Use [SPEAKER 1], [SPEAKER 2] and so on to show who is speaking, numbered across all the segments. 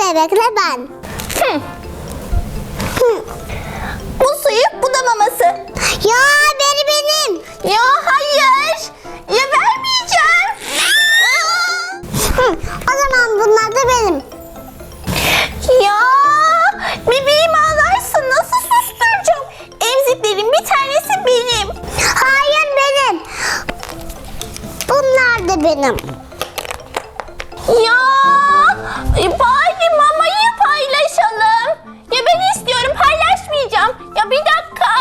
[SPEAKER 1] bebekle ben.
[SPEAKER 2] Bu suyu, bu da maması.
[SPEAKER 1] Ya benim.
[SPEAKER 2] Ya hayır. Ya vermeyeceğim.
[SPEAKER 1] O zaman bunlar da benim.
[SPEAKER 2] Ya bebeğim ağlarsa nasıl susturacağım? Emziklerin bir tanesi benim.
[SPEAKER 1] Hayır benim. Bunlar da benim.
[SPEAKER 2] Ya bari mamayı paylaşalım. Ya ben istiyorum, paylaşmayacağım. Ya bir dakika.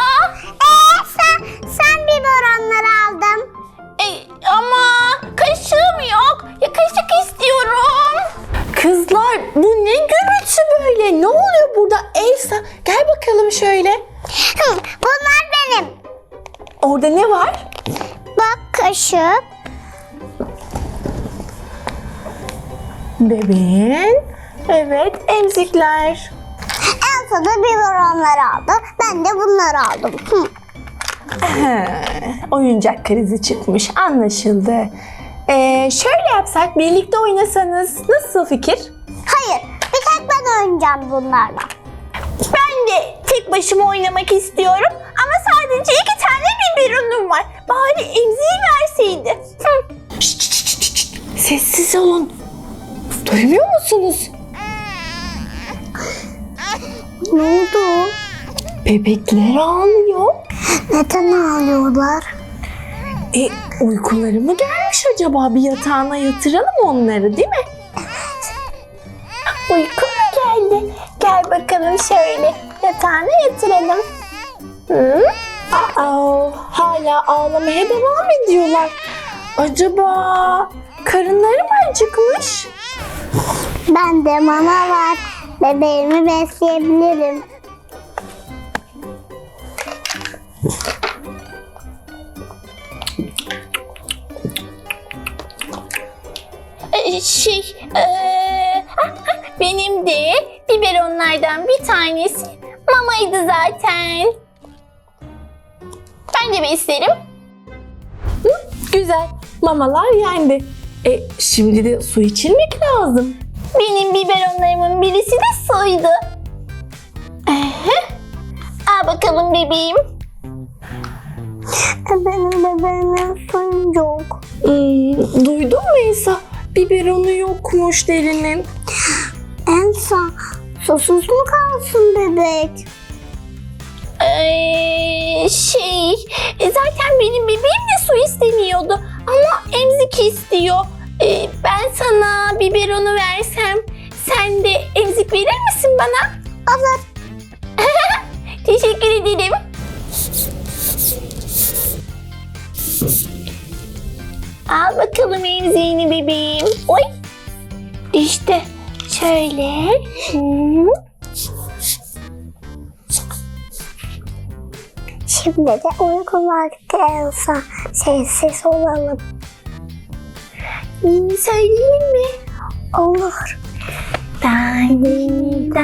[SPEAKER 1] Sen biberonları aldın.
[SPEAKER 2] Ama kaşığım yok. Ya kaşık istiyorum. Kızlar bu ne gürültü böyle? Ne oluyor burada Elsa? Gel bakalım şöyle.
[SPEAKER 1] Bunlar benim.
[SPEAKER 2] Orada ne var?
[SPEAKER 1] Bak kaşık.
[SPEAKER 2] Bebeğin. Evet, emzikler.
[SPEAKER 1] Elsa da biberonları aldı. Ben de bunları aldım.
[SPEAKER 2] Oyuncak krizi çıkmış, anlaşıldı. Şöyle yapsak, birlikte oynasanız nasıl fikir?
[SPEAKER 1] Hayır, bir tek ben oynayacağım bunlarla.
[SPEAKER 2] Ben de tek başıma oynamak istiyorum ama sadece 2 tane biberonum var. Bari emziği verseydi. Şşt. Sessiz olun. Duymuyor musunuz?
[SPEAKER 1] Ne oldu?
[SPEAKER 2] Bebekler ağlıyor.
[SPEAKER 1] Neden ağlıyorlar?
[SPEAKER 2] Uykuları mı gelmiş acaba? Bir yatağına yatıralım onları, değil mi? Uyku mu geldi? Gel bakalım şöyle yatağına yatıralım. Hala ağlamaya devam ediyorlar. Acaba karınları mı acıkmış?
[SPEAKER 1] Bende mama var. Bebeğimi besleyebilirim.
[SPEAKER 2] Benim de biberonlardan bir tanesi mamaydı zaten. Ben de beslerim. Güzel. Mamalar yendi. Şimdi de su içilmek lazım. Benim biberonlarımın birisi de suydu. Al bakalım bebeğim.
[SPEAKER 1] Benim bebeğimin suyu yok.
[SPEAKER 2] Duydun mu Elsa? Biberonu yokmuş derinin.
[SPEAKER 1] Elsa, susuz mu kalsın bebek?
[SPEAKER 2] Zaten benim bebeğim de su istemiyordu ama emzik istiyor. Ben sana biberonu versem sen de emzik verir misin bana?
[SPEAKER 1] Olur.
[SPEAKER 2] Teşekkür ederim. Al bakalım emziğini bebeğim. Oy. İşte şöyle.
[SPEAKER 1] Şimdi de uyku vakti Elsa. Sessiz olalım.
[SPEAKER 2] Söyleyeyim mi?
[SPEAKER 1] Olur.
[SPEAKER 2] Tanim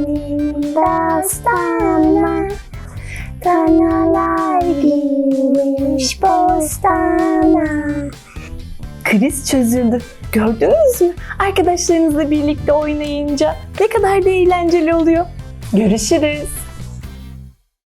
[SPEAKER 2] dastana, kanalar girmiş bostana. Kriz çözüldü. Gördünüz mü? Arkadaşlarınızla birlikte oynayınca ne kadar da eğlenceli oluyor. Görüşürüz.